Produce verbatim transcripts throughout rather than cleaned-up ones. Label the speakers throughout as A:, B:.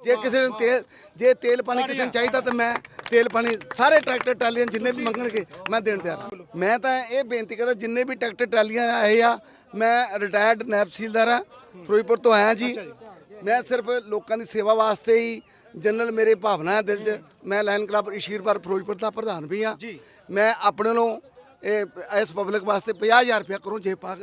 A: ਜੇ ਕਿਸੇ ਨੂੰ ਤੇਲ ਜੇ ਤੇਲ ਪਾਣੀ ਕਿਸੇ ਨੂੰ ਚਾਹੀਦਾ ਤਾਂ ਮੈਂ ਤੇਲ ਪਾਣੀ ਸਾਰੇ ਟਰੈਕਟਰ ਟਰਾਲੀਆਂ ਜਿੰਨੇ ਵੀ ਮੰਗਣਗੇ ਮੈਂ ਦੇਣ ਤਿਆਰ ਹਾਂ। ਮੈਂ ਤਾਂ ਇਹ ਬੇਨਤੀ ਕਰਦਾ ਜਿੰਨੇ ਵੀ ਟਰੈਕਟਰ ਟਰਾਲੀਆਂ ਆਏ ਆ, ਮੈਂ ਰਿਟਾਇਰਡ ਨਾਇਬ ਤਹਿਸੀਲਦਾਰ ਹਾਂ, ਫਿਰੋਜ਼ਪੁਰ ਤੋਂ ਆਇਆ ਜੀ। ਮੈਂ ਸਿਰਫ ਲੋਕਾਂ ਦੀ ਸੇਵਾ ਵਾਸਤੇ ਹੀ ਜਨਰਲ ਮੇਰੇ ਭਾਵਨਾ ਹੈ ਦਿਲ 'ਚ। ਮੈਂ ਲਾਇਨ ਕਲੱਬ ਈਸ਼ੀਰਪੁਰ ਫਿਰੋਜ਼ਪੁਰ ਦਾ ਪ੍ਰਧਾਨ ਵੀ ਹਾਂ। ਮੈਂ ਆਪਣੇ ਨੂੰ ਇਹ ਇਸ ਪਬਲਿਕ ਵਾਸਤੇ ਪੰਜਾਹ ਹਜ਼ਾਰ ਰੁਪਇਆ ਕਰੂੰ ਜੇ ਪਾ ਕੇ।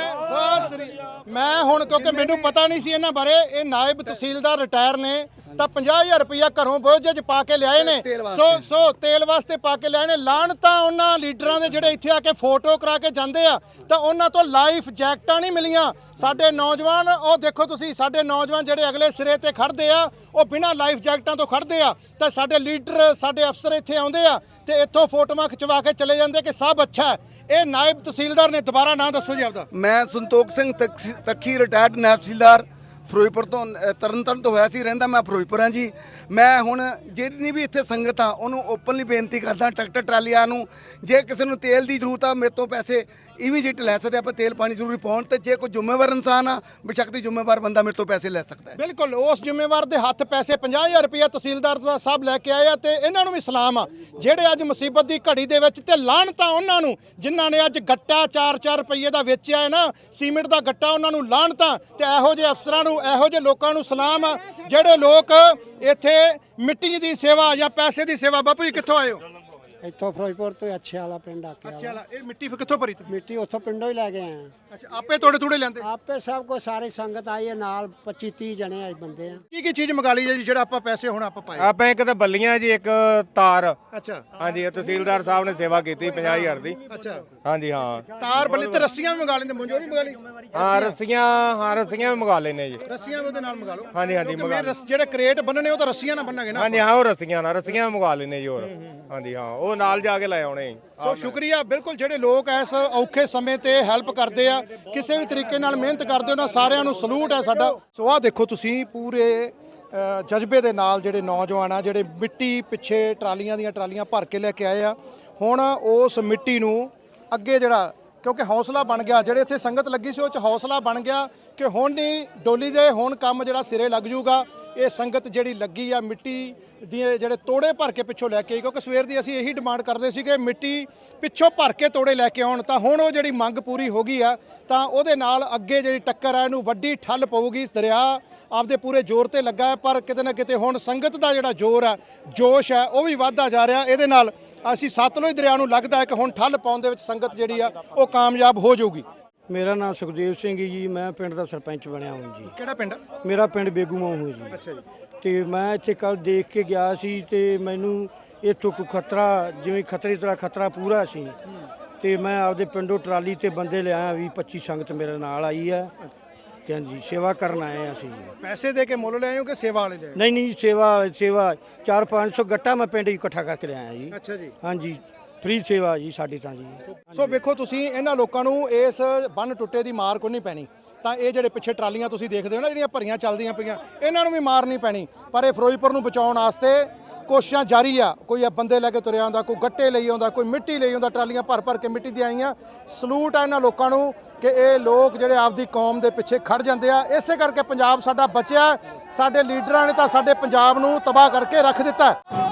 B: ਮੈਂ ਹੁਣ ਕਿਉਂਕਿ ਮੈਨੂੰ ਪਤਾ ਨਹੀਂ ਸੀ ਇਹਨਾਂ ਬਾਰੇ, ਇਹ ਨਾਇਬ ਤਹਿਸੀਲਦਾਰ ਰਿਟਾਇਰ ਨੇ ਤਾਂ ਪੰਜਾਹ ਹਜ਼ਾਰ ਰੁਪਇਆ ਘਰੋਂ ਬੋਝੇ 'ਚ ਪਾ ਕੇ ਲਿਆਏ ਨੇ। ਸੋ ਸੋ ਤੇਲ ਵਾਸਤੇ ਪਾ ਕੇ ਲਿਆਏ ਨੇ। ਲਾਣ ਤਾਂ ਉਹਨਾਂ ਲੀਡਰਾਂ ਦੇ ਜਿਹੜੇ ਇੱਥੇ ਆ ਕੇ ਫੋਟੋ ਕਰਾ ਕੇ ਜਾਂਦੇ ਆ ਤਾਂ ਉਹਨਾਂ ਤੋਂ ਲਾਈਫ ਜੈਕਟਾਂ ਨਹੀਂ ਮਿਲੀਆਂ। ਸਾਡੇ ਨੌਜਵਾਨ ਉਹ ਦੇਖੋ ਤੁਸੀਂ, ਸਾਡੇ ਨੌਜਵਾਨ ਜਿਹੜੇ ਅਗਲੇ ਸਿਰੇ ਤੇ ਖੜਦੇ ਆ ਉਹ ਬਿਨਾਂ ਲਾਈਫ ਜੈਕਟਾਂ ਤੋਂ ਖੜਦੇ ਆ। ਤਾਂ ਸਾਡੇ ਲੀਡਰ ਸਾਡੇ ਅਫਸਰ ਇੱਥੇ ਆਉਂਦੇ ਆ ਤੇ ਇੱਥੋਂ ਫੋਟੋਆਂ ਖਿਚਵਾ ਕੇ ਚਲੇ ਜਾਂਦੇ ਕਿ ਸਭ ਅੱਛਾ ਹੈ। ਇਹ ਨਾਇਬ ਤਹਿਸੀਲਦਾਰ ਨੇ, ਦੁਬਾਰਾ ਨਾਂ ਦੱਸੋ ਜੀ ਆਪਦਾ।
A: ਮੈਂ ਸੰਤੋਖ ਸਿੰਘ ਤੱਖੀ ਰਿਟਾਇਰਡ ਨਾਇਬ ਤਹਿਸੀਲਦਾਰ ਫਿਰੋਜ਼ਪੁਰ ਤੋਂ, ਤਰਨਤਾਰਨ ਤੋਂ ਹੋਇਆ ਸੀ, ਰਹਿੰਦਾ ਮੈਂ ਫਿਰੋਜ਼ਪੁਰ ਹਾਂ ਜੀ। ਮੈਂ ਹੁਣ ਜਿਹੜੀ ਵੀ ਇੱਥੇ ਸੰਗਤ ਆ ਉਹਨੂੰ ਓਪਨਲੀ ਬੇਨਤੀ ਕਰਦਾ, ਟਰੈਕਟਰ ਟਰਾਲੀਆਂ ਨੂੰ ਜੇ ਕਿਸੇ ਨੂੰ ਤੇਲ ਦੀ ਜ਼ਰੂਰਤ ਆ ਮੇਰੇ ਤੋਂ ਪੈਸੇ ਇਮੀਡੀਏਟ ਲੈ ਸਕਦੇ ਆਪਾਂ, ਤੇਲ ਪਾਣੀ ਜ਼ਰੂਰੀ ਪਾਉਣ ਤੇ ਜੇ ਕੋਈ ਜ਼ਿੰਮੇਵਾਰ ਇਨਸਾਨ ਆ ਬੇਸ਼ੱਕਤੀ ਜ਼ਿੰਮੇਵਾਰ ਬੰਦਾ ਮੇਰੇ ਤੋਂ ਪੈਸੇ ਲੈ ਸਕਦਾ ਹੈ।
B: ਬਿਲਕੁਲ ਉਸ ਜ਼ਿੰਮੇਵਾਰ ਦੇ ਹੱਥ ਪੈਸੇ ਪੰਜਾਹ ਹਜ਼ਾਰ ਰੁਪਇਆ ਤਹਿਸੀਲਦਾਰ ਸਾਹਿਬ ਲੈ ਕੇ ਆਏ ਆ ਤੇ ਇਹਨਾਂ ਨੂੰ ਵੀ ਸਲਾਮ ਆ ਜਿਹੜੇ ਅੱਜ ਮੁਸੀਬਤ ਦੀ ਘੜੀ ਦੇ ਵਿੱਚ, ਤੇ ਲਾਹਣ ਤਾਂ ਉਹਨਾਂ ਨੂੰ ਜਿਨ੍ਹਾਂ ਨੇ ਅੱਜ ਗੱਟਾ ਚਾਰ ਚਾਰ ਰੁਪਏ ਦਾ ਵੇਚਿਆ ਹੈ ਨਾ, ਸੀਮਿੰਟ ਦਾ ਗੱਟਾ, ਉਹਨਾਂ ਨੂੰ ਲਾਹਣ ਤਾਂ। ਤੇ ਇਹੋ ਜਿਹੇ ਅਫਸਰਾਂ ਨੂੰ, ਇਹੋ ਜਿਹੇ ਲੋਕਾਂ ਨੂੰ ਸਲਾਮ ਆ ਜਿਹੜੇ ਲੋਕ ਇੱਥੇ ਮਿੱਟੀ ਦੀ ਸੇਵਾ ਜਾਂ ਪੈਸੇ ਦੀ ਸੇਵਾ। ਬਾਪੂ ਜੀ ਕਿੱਥੋਂ ਆਏ ਹੋ?
C: ਇੱਥੋਂ ਫਿਰੋਜ਼ਪੁਰ ਤੋਂ ਅੱਛੇ ਵਾਲਾ ਪਿੰਡ ਆ ਕੇ।
B: ਅੱਛਾ ਵਾਲਾ, ਇਹ ਮਿੱਟੀ ਫਿਰ ਕਿੱਥੋਂ ਭਰੀ ਤੁਸੀਂ?
C: ਮਿੱਟੀ ਉੱਥੋਂ ਪਿੰਡੋਂ ਹੀ ਲੈ ਕੇ ਆਏ ਆ।
B: ਅੱਛਾ, ਆਪੇ ਤੋੜੇ ਤੂੜੇ ਲੈਂਦੇ?
C: ਆਪੇ ਸਭ ਕੋ ਸਾਰੀ ਸੰਗਤ ਆਈ ਹੈ ਨਾਲ, ਪੱਚੀ ਤੀਹ ਜਣੇ ਆਏ ਬੰਦੇ ਆ।
B: ਕੀ ਕੀ ਚੀਜ਼ ਮੰਗਾ ਲਈ ਜੀ ਜਿਹੜਾ ਆਪਾਂ ਪੈਸੇ ਹੁਣ ਆਪਾਂ ਪਾਏ?
D: ਆਪਾਂ ਇੱਕ ਤਾਂ ਬੱਲੀਆਂ ਜੀ, ਇੱਕ ਤਾਰ।
B: ਅੱਛਾ
D: ਹਾਂਜੀ, ਇਹ ਤਹਿਸੀਲਦਾਰ ਸਾਹਿਬ ਨੇ ਸੇਵਾ ਕੀਤੀ ਪੰਜਾਹ ਹਜ਼ਾਰ ਦੀ।
B: ਅੱਛਾ,
D: ਹਾਂਜੀ ਹਾਂ।
B: ਤਾਰ ਬੱਲੀ ਤੇ ਰੱਸੀਆਂ ਵੀ ਮੰਗਾ ਲੈਂਦੇ, ਮਨਜੋਰੀ ਮੰਗਾ ਲਈ?
D: ਹਾਂ ਰੱਸੀਆਂ, ਹਾਂ ਰੱਸੀਆਂ ਵੀ ਮੰਗਾ ਲੈਨੇ ਜੀ।
B: ਰੱਸੀਆਂ ਵੀ ਉਹਦੇ ਨਾਲ ਮੰਗਾ ਲਓ।
D: ਹਾਂਜੀ ਹਾਂਜੀ
B: ਕਿਉਂਕਿ
D: ਮੰਗਾ
B: ਮੇਰੇ ਰਸ- ਜਿਹੜੇ ਕਰੇਟ ਬੰਨਣੇ ਉਹ ਤਾਂ ਰੱਸੀਆਂ ਨਾਲ ਬੰਨਾਂਗੇ ਨਾ।
D: ਹਾਂਜੀ ਹਾਂ, ਉਹ ਰੱਸੀਆਂ ਨਾਲ, ਰੱਸੀਆਂ ਵੀ ਮੰਗਾ ਲੈਨੇ ਜੀ ਹੋਰ। ਹਾਂਜੀ ਹਾਂ, ਉਹ ਨਾਲ ਜਾ ਕੇ ਲੈ ਆਉਣੇ।
B: ਸੋ ਸ਼ੁਕਰੀਆ। ਬਿਲਕੁਲ ਜਿਹੜੇ ਲੋਕ ਇਸ ਔਖੇ ਸਮੇਂ ਤੇ ਹੈਲਪ ਕਰਦੇ ਆ, ਕਿਸੇ ਵੀ ਤਰੀਕੇ ਨਾਲ ਮਿਹਨਤ ਕਰਦੇ, ਉਹਨਾਂ ਸਾਰਿਆਂ ਨੂੰ ਸਲੂਟ ਹੈ ਸਾਡਾ। ਸੋ ਆਹ ਦੇਖੋ ਤੁਸੀਂ ਪੂਰੇ ਅ, ਜਜ਼ਬੇ ਦੇ ਨਾਲ ਜਿਹੜੇ ਨੌਜਵਾਨ ਆ, ਜਿਹੜੇ ਮਿੱਟੀ ਪਿੱਛੇ ਟਰਾਲੀਆਂ ਦੀਆਂ ਟਰਾਲੀਆਂ ਭਰ ਕੇ ਲੈ ਕੇ ਆਏ ਆ। ਹੁਣ ਉਸ ਮਿੱਟੀ ਨੂੰ ਅੱਗੇ ਜਿਹੜਾ, ਕਿਉਂਕਿ ਹੌਸਲਾ ਬਣ ਗਿਆ, ਜਿਹੜੇ ਇੱਥੇ ਸੰਗਤ ਲੱਗੀ ਸੀ ਉਹ 'ਚ ਹੌਸਲਾ ਬਣ ਗਿਆ ਕਿ ਹੁਣ ਨਹੀਂ ਡੋਲੀ ਦੇ, ਹੁਣ ਕੰਮ ਜਿਹੜਾ ਸਿਰੇ ਲੱਗ ਜੂਗਾ। ਇਹ ਸੰਗਤ ਜਿਹੜੀ ਲੱਗੀ ਆ ਮਿੱਟੀ ਦੇ ਜਿਹੜੇ ਤੋੜੇ ਭਰ ਕੇ ਪਿੱਛੋਂ ਲੈ ਕੇ ਆਈ, ਕਿਉਂਕਿ ਸਵੇਰ ਦੀ ਅਸੀਂ ਇਹੀ ਡਿਮਾਂਡ ਕਰਦੇ ਸੀ ਕਿ ਮਿੱਟੀ ਪਿੱਛੋਂ ਭਰ ਕੇ ਤੋੜੇ ਲੈ ਕੇ ਆਉਣ। ਤਾਂ ਹੁਣ ਉਹ ਜਿਹੜੀ ਮੰਗ ਪੂਰੀ ਹੋ ਗਈ ਆ, ਤਾਂ ਉਹਦੇ ਨਾਲ ਅੱਗੇ ਜਿਹੜੀ ਟੱਕਰ ਆ ਇਹਨੂੰ ਵੱਡੀ ਠੱਲ ਪਊਗੀ। ਦਰਿਆ ਆਪਦੇ ਪੂਰੇ ਜ਼ੋਰ ਤੇ ਲੱਗਾ ਹੈ, ਪਰ ਕਿਤੇ ਨਾ ਕਿਤੇ ਹੁਣ ਸੰਗਤ ਦਾ ਜਿਹੜਾ ਜ਼ੋਰ ਆ, ਜੋਸ਼ ਹੈ, ਉਹ ਵੀ ਵੱਧਦਾ ਜਾ ਰਿਹਾ। ਇਹਦੇ ਨਾਲ ਅਸੀਂ ਸਤਲੁਜ ਦਰਿਆ ਨੂੰ ਲੱਗਦਾ ਹੈ ਕਿ ਹੁਣ ਠੱਲ ਪਾਉਣ ਦੇ ਵਿੱਚ ਸੰਗਤ ਜਿਹੜੀ ਆ ਉਹ ਕਾਮਯਾਬ ਹੋ ਜਾਊਗੀ।
C: ਮੇਰਾ ਨਾਮ ਸੁਖਦੇਵ ਸਿੰਘ ਜੀ, ਮੈਂ ਪਿੰਡ ਦਾ ਸਰਪੰਚ ਬਣਿਆ ਹਾਂ ਜੀ।
B: ਕਿਹੜਾ ਪਿੰਡ?
C: ਮੇਰਾ ਪਿੰਡ ਬੇਗੂਮਾਂ ਹੋ ਜੀ।
B: ਅੱਛਾ ਜੀ।
C: ਤੇ ਮੈਂ ਇੱਥੇ ਕੱਲ ਦੇਖ ਕੇ ਗਿਆ ਸੀ ਤੇ ਮੈਨੂੰ ਇੱਥੋਂ ਕੋਈ ਖਤਰਾ, ਜਿਵੇਂ ਖਤਰੇ ਤਰ੍ਹਾਂ ਖਤਰਾ ਪੂਰਾ ਸੀ। ਤੇ ਮੈਂ ਆਪਦੇ ਪਿੰਡੋਂ ਟਰਾਲੀ ਤੇ ਬੰਦੇ ਲਿਆਇਆ, ਵੀਹ ਪੱਚੀ ਸੰਗਤ ਮੇਰੇ ਨਾਲ ਆਈ ਹੈ ਤੇ ਹਾਂਜੀ ਸੇਵਾ ਕਰਨ ਆਏ ਹਾਂ ਅਸੀਂ ਜੀ।
B: ਪੈਸੇ ਦੇ ਕੇ ਮੁੱਲ ਲਿਆਏ ਹੋ ਕਿ ਸੇਵਾ ਵਾਲੇ ਲਿਆਏ?
C: ਨਹੀਂ ਨਹੀਂ ਸੇਵਾ ਸੇਵਾ ਚਾਰ ਪੰਜ ਸੌ ਗੱਟਾ ਮੈਂ ਪਿੰਡ 'ਚ ਇਕੱਠਾ ਕਰਕੇ ਲਿਆਇਆ ਜੀ।
B: ਅੱਛਾ ਜੀ।
C: ਹਾਂਜੀ ਫ੍ਰੀ ਸੇਵਾ ਜੀ ਸਾਡੀ ਤਾਂ ਜੀ।
B: ਸੋ ਵੇਖੋ ਤੁਸੀਂ, ਇਹਨਾਂ ਲੋਕਾਂ ਨੂੰ ਇਸ ਬੰਨ ਟੁੱਟੇ ਦੀ ਮਾਰ ਕੋਈ ਨਹੀਂ ਪੈਣੀ। ਤਾਂ ਇਹ ਜਿਹੜੇ ਪਿੱਛੇ ਟਰਾਲੀਆਂ ਤੁਸੀਂ ਦੇਖਦੇ ਹੋ ਨਾ ਜਿਹੜੀਆਂ ਭਰੀਆਂ ਚੱਲਦੀਆਂ ਪਈਆਂ, ਇਹਨਾਂ ਨੂੰ ਵੀ ਮਾਰ ਨਹੀਂ ਪੈਣੀ। ਪਰ ਇਹ ਫਿਰੋਜ਼ਪੁਰ ਨੂੰ ਬਚਾਉਣ ਵਾਸਤੇ ਕੋਸ਼ਿਸ਼ਾਂ ਜਾਰੀ ਆ। ਕੋਈ ਆ ਬੰਦੇ ਲੈ ਕੇ ਤੁਰਿਆ ਆਉਂਦਾ, ਕੋਈ ਗੱਟੇ ਲਈ ਆਉਂਦਾ, ਕੋਈ ਮਿੱਟੀ ਲਈ ਆਉਂਦਾ, ਟਰਾਲੀਆਂ ਭਰ ਭਰ ਕੇ ਮਿੱਟੀ ਦੀਆਂ ਆਈਆਂ। ਸਲੂਟ ਆ ਇਹਨਾਂ ਲੋਕਾਂ ਨੂੰ ਕਿ ਇਹ ਲੋਕ ਜਿਹੜੇ ਆਪਦੀ ਕੌਮ ਦੇ ਪਿੱਛੇ ਖੜ ਜਾਂਦੇ ਆ। ਇਸੇ ਕਰਕੇ ਪੰਜਾਬ ਸਾਡਾ ਬਚਿਆ। ਸਾਡੇ ਲੀਡਰਾਂ ਨੇ ਤਾਂ ਸਾਡੇ ਪੰਜਾਬ ਨੂੰ ਤਬਾਹ ਕਰਕੇ ਰੱਖ ਦਿੱਤਾ।